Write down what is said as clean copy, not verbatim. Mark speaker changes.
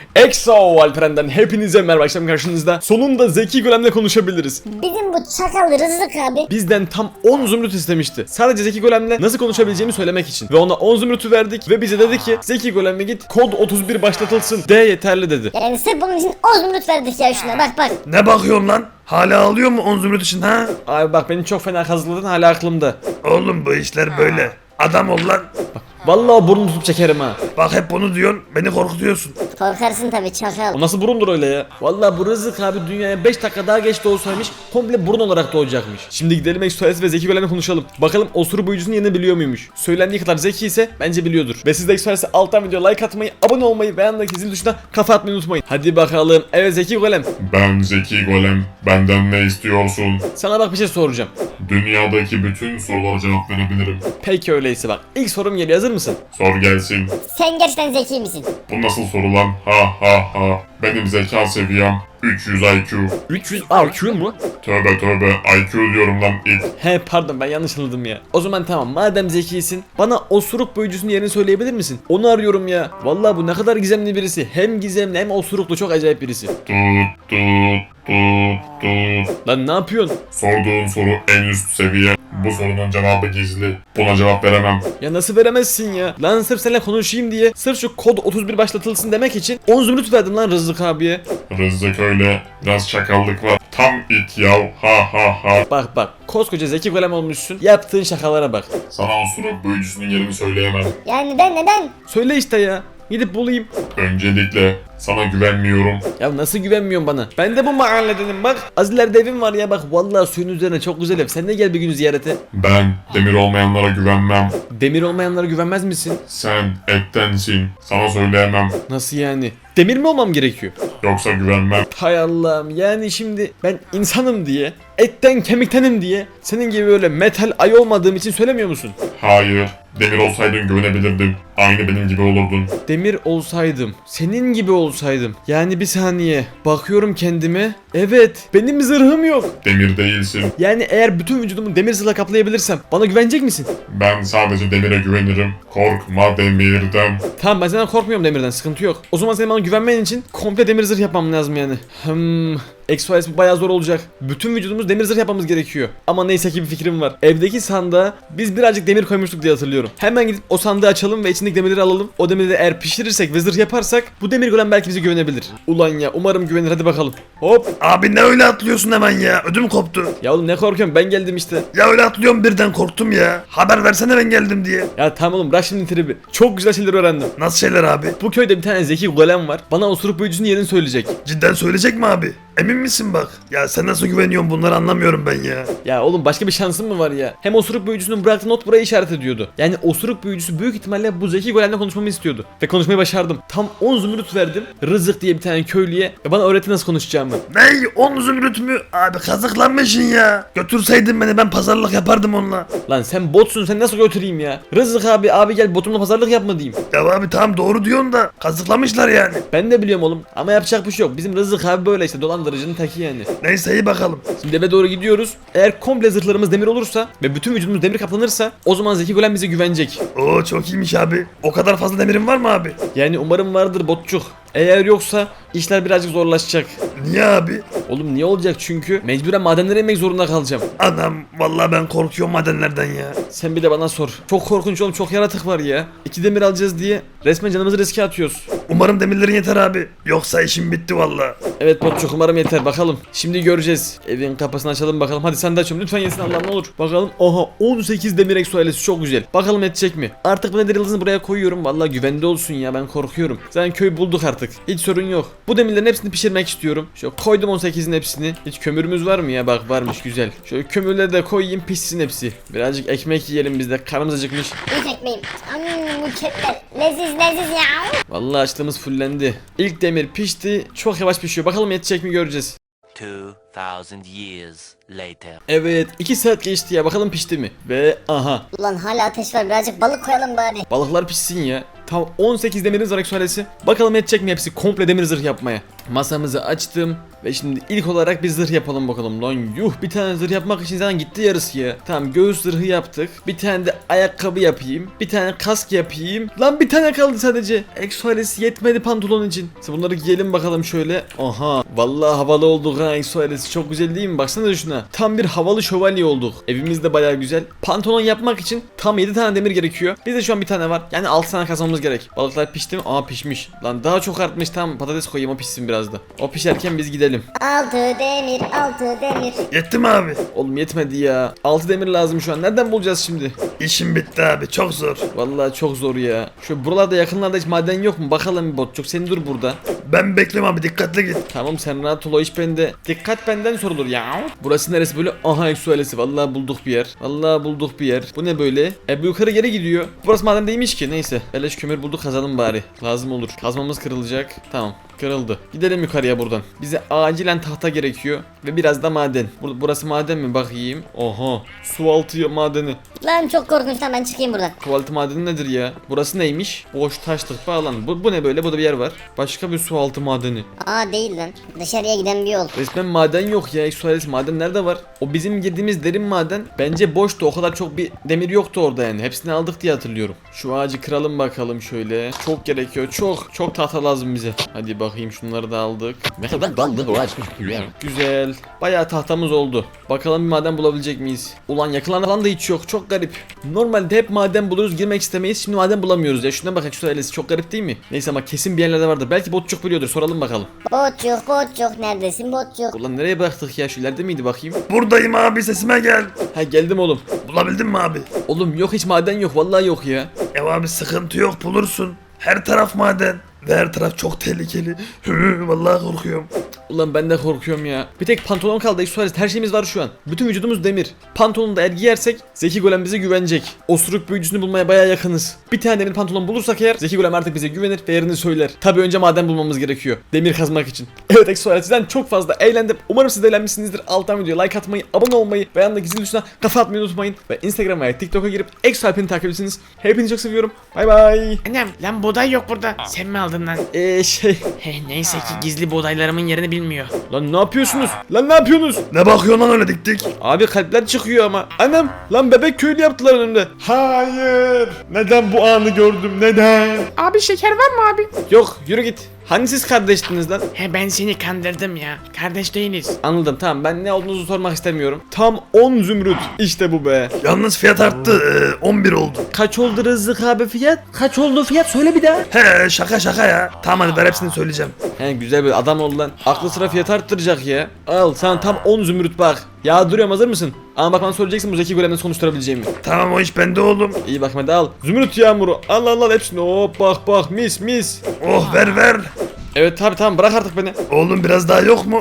Speaker 1: Exo Alperen'den hepinize merhaba, akşam karşınızda. Sonunda Zeki Golem'le konuşabiliriz.
Speaker 2: Bizim bu çakal Rızık abi
Speaker 1: Bizden tam 10 zümrüt istemişti. Sadece Zeki Golem'le nasıl konuşabileceğimi söylemek için. Ve ona 10 zümrütü verdik ve bize dedi ki Zeki Golem'e git kod 31 başlatılsın de yeterli dedi.
Speaker 2: yani sırf bunun için 10 zümrüt verdik ya şuna bak.
Speaker 3: Ne bakıyorsun lan? Hala ağlıyor mu 10 zümrüt için ha?
Speaker 1: Abi bak, beni çok fena kazıkladın, hala aklımda.
Speaker 3: Oğlum bu işler böyle. Adam ol lan.
Speaker 1: Vallahi burnumu tutup çekerim ha.
Speaker 3: Bak hep bunu diyorsun, beni korkutuyorsun.
Speaker 2: Korkarsın tabi çakal.
Speaker 1: O nasıl burundur öyle ya? Vallahi bu Rızık abi dünyaya 5 dakika daha geç doğsaymış komple burun olarak doğacakmış. Şimdi gidelim Exoales ve Zeki Golem'le konuşalım. Bakalım osuru boyucusunun yerini biliyor muymuş? Söylendiği kadar zeki ise bence biliyordur. Ve siz de Exoales'e alttan video like atmayı, abone olmayı ve yanındaki zil tuşuna kafa atmayı unutmayın. Hadi bakalım. Evet Zeki Golem.
Speaker 4: Ben Zeki Golem, benden ne istiyorsun?
Speaker 1: Sana bak bir şey soracağım.
Speaker 4: Dünyadaki bütün sorulara cevap verebilirim.
Speaker 1: Peki öyleyse bak. İlk sorum geliyor, hazır mısın?
Speaker 4: Sor gelsin.
Speaker 2: Sen gerçekten zeki misin?
Speaker 4: Bu nasıl soru lan? Ha ha ha. Benim zeka seviyem 300 IQ.
Speaker 1: 300 IQ mu?
Speaker 4: Tövbe tövbe, IQ diyorum lan it.
Speaker 1: He pardon, ben yanlış anladım ya. O zaman tamam, madem zekisin bana osuruk boyucusunun yerini söyleyebilir misin? Onu arıyorum ya. Vallahi bu ne kadar gizemli birisi. Hem gizemli hem osuruklu, çok acayip birisi.
Speaker 4: Tut tut tut tut.
Speaker 1: Lan ne yapıyorsun?
Speaker 4: Sorduğun soru en üst seviye. Bu sorunun cevabı gizli. Buna cevap veremem.
Speaker 1: Ya nasıl veremezsin ya? Lan sırf seninle konuşayım diye, sırf şu kod 31 başlatılsın demek için 10 zümrüt verdim lan Rızık abiye.
Speaker 4: Rızık öyle. Biraz çakallık var. Tam it yav. Ha ha ha.
Speaker 1: Bak koskoca Zeki Golem olmuşsun, yaptığın şakalara bak.
Speaker 4: Sana osuruk büyücüsünün yerini söyleyemem.
Speaker 2: Yani neden?
Speaker 1: Söyle işte ya. Gidip bulayım.
Speaker 4: Öncelikle sana güvenmiyorum.
Speaker 1: Ya nasıl güvenmiyorsun bana? Ben de bu mahalledenim bak. Az ileride evim var ya bak. Vallahi suyun üzerine çok güzel ev. Sen de gel bir gün ziyarete.
Speaker 4: Ben demir olmayanlara güvenmem.
Speaker 1: Demir olmayanlara güvenmez misin?
Speaker 4: Sen ettensin. Sana söyleyemem.
Speaker 1: Nasıl yani? Demir mi olmam gerekiyor?
Speaker 4: Yoksa güvenmem.
Speaker 1: Hay Allah'ım, yani şimdi ben insanım diye, etten kemiktenim diye senin gibi böyle metal ay olmadığım için söylemiyor musun?
Speaker 4: Hayır. Demir olsaydın güvenebilirdim. Aynı benim gibi olurdun.
Speaker 1: Demir olsaydım, senin gibi olsaydım. Yani bir saniye, bakıyorum kendime. Evet, benim zırhım yok.
Speaker 4: Demir değilsin.
Speaker 1: Yani eğer bütün vücudumu demir zırhla kaplayabilirsem bana güvenecek misin?
Speaker 4: Ben sadece demire güvenirim. Korkma demirden.
Speaker 1: Tamam, ben senden korkmuyorum, demirden sıkıntı yok. O zaman senin bana güvenmen için komple demir zırh yapmam lazım yani. Exoales bu bayağı zor olacak. Bütün vücudumuz demir zırh yapmamız gerekiyor. Ama neyse ki bir fikrim var. Evdeki sandığa biz birazcık demir koymuştuk diye hatırlıyorum. Hemen gidip o sandığı açalım ve içindeki demirleri alalım. O demirleri eğer pişirirsek ve zırh yaparsak bu demir golem belki bize güvenebilir. Ulan ya, umarım güvenir, hadi bakalım. Hop.
Speaker 3: Abi ne öyle atlıyorsun hemen ya? Ödüm koptu.
Speaker 1: Ya oğlum ne korkuyorum, ben geldim işte.
Speaker 3: Ya öyle atlıyorum birden korktum ya. Haber versene ben geldim diye.
Speaker 1: Ya tamam oğlum, bırak şimdi tribi. Çok güzel şeyler öğrendim.
Speaker 3: Nasıl şeyler abi?
Speaker 1: Bu köyde bir tane zeki golem var. Bana osuruk büyücüsünün yerini söyleyecek.
Speaker 3: Cidden söyleyecek mi abi? Emin misin bak? Ya sen nasıl güveniyorsun, bunları anlamıyorum ben ya.
Speaker 1: Ya oğlum, başka bir şansın mı var ya? Hem osuruk büyücüsünün bıraktığı not buraya işaret ediyordu. Yani osuruk büyücüsü büyük ihtimalle bu zeki golemle konuşmamı istiyordu. Ve konuşmayı başardım. Tam 10 zümrüt verdim Rızık diye bir tane köylüye ve bana öğretti nasıl konuşacağımı.
Speaker 3: Ney? 10 zümrüt mü? Abi kazıklanmışsın ya. Götürseydin beni, ben pazarlık yapardım onunla.
Speaker 1: Lan sen botsun, sen nasıl götüreyim ya? Rızık abi gel botumla pazarlık yapma diyeyim.
Speaker 3: Ya abi tamam doğru diyorsun da kazıklamışlar yani.
Speaker 1: Ben de biliyorum oğlum ama yapacak bir şey yok. Bizim Rızık abi böyle işte, dolandırıcının teki yani.
Speaker 3: Neyse iyi bakalım.
Speaker 1: Şimdi eve doğru gidiyoruz. Eğer komple zırhlarımız demir olursa ve bütün vücudumuz demir kaplanırsa o zaman zeki golem bize güvenecek.
Speaker 3: Oo çok iyiymiş abi. O kadar fazla demirin var mı abi?
Speaker 1: Yani umarım vardır botçuk. Eğer yoksa işler birazcık zorlaşacak.
Speaker 3: Niye abi?
Speaker 1: Oğlum niye olacak, çünkü mecburen madenlere inmek zorunda kalacağım.
Speaker 3: Anam vallahi ben korkuyorum madenlerden ya.
Speaker 1: Sen bir de bana sor. Çok korkunç oğlum, çok yaratık var ya. 2 demir alacağız diye resmen canımızı riske atıyoruz.
Speaker 3: Umarım demirlerin yeter abi. Yoksa işim bitti vallahi.
Speaker 1: Evet botçuk, umarım yeter, bakalım. Şimdi göreceğiz. Evin kapısını açalım bakalım. Hadi sen de açıyorum lütfen, yesin Allah'ım ne olur. Bakalım, aha 18 demir Exoales, çok güzel. Bakalım edecek mi? Artık bu nedir yıldızını buraya koyuyorum. Vallahi güvende olsun ya, ben korkuyorum. Zaten köy bulduk artık. Hiç sorun yok. Bu demirlerin hepsini pişirmek istiyorum. Şöyle koydum 18'in hepsini. Hiç kömürümüz var mı ya? Bak varmış, güzel. Şöyle kömürleri de koyayım, pişsin hepsi. Birazcık ekmek yiyelim biz de, karnımız acıkmış.
Speaker 2: İlk ekmeğim. Mükemmel. Leziz ya.
Speaker 1: Vallahi açlığımız fullendi. İlk demir pişti. Çok yavaş pişiyor. Bakalım yetecek mi, göreceğiz.
Speaker 5: 2000 years later.
Speaker 1: Evet 2 saat geçti ya, bakalım pişti mi? Ve aha,
Speaker 2: Ulan hala ateş var, birazcık balık koyalım bari.
Speaker 1: balıklar pişsin ya. Tam 18 demirimiz var Exoales'i. Bakalım yetecek mi hepsi komple demir zırh yapmaya. Masamızı açtım ve şimdi ilk olarak bir zırh yapalım bakalım. Lan yuh, bir tane zırh yapmak için zaten gitti yarısı ya. Tamam, göğüs zırhı yaptık. Bir tane de ayakkabı yapayım. Bir tane kask yapayım. Lan bir tane kaldı sadece. Exoales yetmedi pantolon için. Şimdi bunları giyelim bakalım şöyle. Aha, vallahi havalı olduk ha Exoales. Çok güzel değil mi? Baksana şuna. Tam bir havalı şövalye olduk. Evimiz de bayağı güzel. Pantolon yapmak için tam 7 tane demir gerekiyor. Bizde şu an bir tane var. Yani 6 tane kazmamız gerek. Balıklar pişti mi? Aa, pişmiş. Lan daha çok artmış. Tamam, patates koyayım, o pişsin biraz da. O pişerken biz gidelim.
Speaker 2: 6 demir 6 demir.
Speaker 3: Yetti mi abi?
Speaker 1: Oğlum yetmedi ya. 6 demir lazım şu an. Nereden bulacağız şimdi?
Speaker 3: İşim bitti abi, çok zor.
Speaker 1: Vallahi çok zor ya. Şu buralarda yakınlarda hiç maden yok mu? Bakalım bir botçuk. Sen dur burada.
Speaker 3: Ben bekliyorum abi, dikkatli git.
Speaker 1: Tamam, sen rahat ol, o iş bende. Dikkat benden sorulur ya. Burası neresi böyle? Aha, Exoales'i. Vallahi bulduk bir yer. Vallahi bulduk bir yer. Bu ne böyle? Bu yukarı geri gidiyor. Burası maden değilmiş ki. Neyse. Beleş kömür bulduk, kazalım bari. Lazım olur. Kazmamız kırılacak. Tamam. Kırıldı. Gidelim yukarıya buradan. Bize acilen tahta gerekiyor. Ve biraz da maden. Burası maden mi? Bakayım. Oha. Su altı madeni.
Speaker 2: Lan çok korkunç lan, ben çıkayım buradan.
Speaker 1: Kovaltı madeni nedir ya? Burası neymiş? Boş taşlık bağlan. Bu ne böyle? Burada bir yer var. Başka bir su altı madeni.
Speaker 2: Aa, değil lan. Dışarıya giden bir yol.
Speaker 1: Resmen maden yok ya. Exoales, maden nerede var? O bizim girdiğimiz derin maden bence boştu. O kadar çok bir demir yoktu orada yani. Hepsini aldık diye hatırlıyorum. Şu ağacı kıralım bakalım şöyle. Çok gerekiyor. Çok tahta lazım bize. Hadi bakayım, şunları da aldık. Güzel. Bayağı tahtamız oldu. Bakalım bir maden bulabilecek miyiz? Ulan yakınlarda falan da hiç yok. Çok garip. Normalde hep maden buluruz, girmek istemeyiz. Şimdi maden bulamıyoruz ya. Şuna bakın, şu ailesi çok garip değil mi? Neyse ama kesin bir yerlerde vardır. Belki botçuk biliyordur. Soralım bakalım.
Speaker 2: Botçuk neredesin botçuk?
Speaker 1: Ulan nereye bıraktık ya? Şu ileride miydi bakayım?
Speaker 3: Buradayım abi, sesime gel.
Speaker 1: Ha, geldim oğlum.
Speaker 3: Bulabildin mi abi?
Speaker 1: Oğlum yok, hiç maden yok. Vallahi yok ya.
Speaker 3: Abi sıkıntı yok, bulursun. Her taraf maden. Ve her taraf çok tehlikeli. Vallahi korkuyorum.
Speaker 1: Ulan ben de korkuyorum ya. Bir tek pantolon kaldı. Exoales, her şeyimiz var şu an. Bütün vücudumuz demir. Pantolonu da eğer giyersek Zeki Golem bize güvenecek. Osuruk büyücüsünü bulmaya bayağı yakınız. Bir tane demir pantolon bulursak eğer Zeki Golem artık bize güvenir ve yerini söyler. Tabi önce maden bulmamız gerekiyor. Demir kazmak için. Evet Exoales, sizden çok fazla eğlendim. Umarım siz de eğlenmişsinizdir. Alttan videoya like atmayı, abone olmayı ve yanındaki zil tuşuna kafa atmayı unutmayın. Ve Instagram'a ve TikTok'a girip Exoales'i takip etsiniz. Hepinizi çok seviyorum. Bay bay.
Speaker 6: Annem lan buğday yok burada. Sen mi aldın lan? Neyse ki gizli buğdaylarımın yerini bilmiyor.
Speaker 1: Lan ne yapıyorsunuz? Lan ne yapıyorsunuz?
Speaker 3: Ne bakıyorsun lan öyle dik dik?
Speaker 1: Abi kalpler çıkıyor ama. Anam, lan bebek köylü yaptılar önümde. Hayır. Neden bu anı gördüm? Neden?
Speaker 6: Abi şeker var mı abi?
Speaker 1: Yok, yürü git. Hani siz kardeştiniz lan?
Speaker 6: Ben seni kandırdım ya. Kardeş değiliz.
Speaker 1: Anladım, tamam, ben ne olduğunuzu sormak istemiyorum. Tam 10 zümrüt. İşte bu be.
Speaker 3: Yalnız fiyat arttı. 11 oldu.
Speaker 1: Kaç oldu Rızık abi fiyat? Kaç oldu fiyat? Söyle bir daha.
Speaker 3: He, şaka ya. Tamam hadi ver, hepsini söyleyeceğim.
Speaker 1: He, güzel bir adam ol lan. Aklı sıra fiyat arttıracak ya. Al sana tam 10 zümrüt bak. Ya duruyorum, hazır mısın? Ama bak, bana söyleyeceksin bu Zeki Golem'den konuşturabileceğimi.
Speaker 3: Tamam, o iş bende oğlum.
Speaker 1: İyi bak, hadi al. Zümrüt yağmuru. Al hepsini. Hop bak mis.
Speaker 3: Oh, ver.
Speaker 1: Evet tabi, tamam, bırak artık beni.
Speaker 3: Oğlum biraz daha yok mu?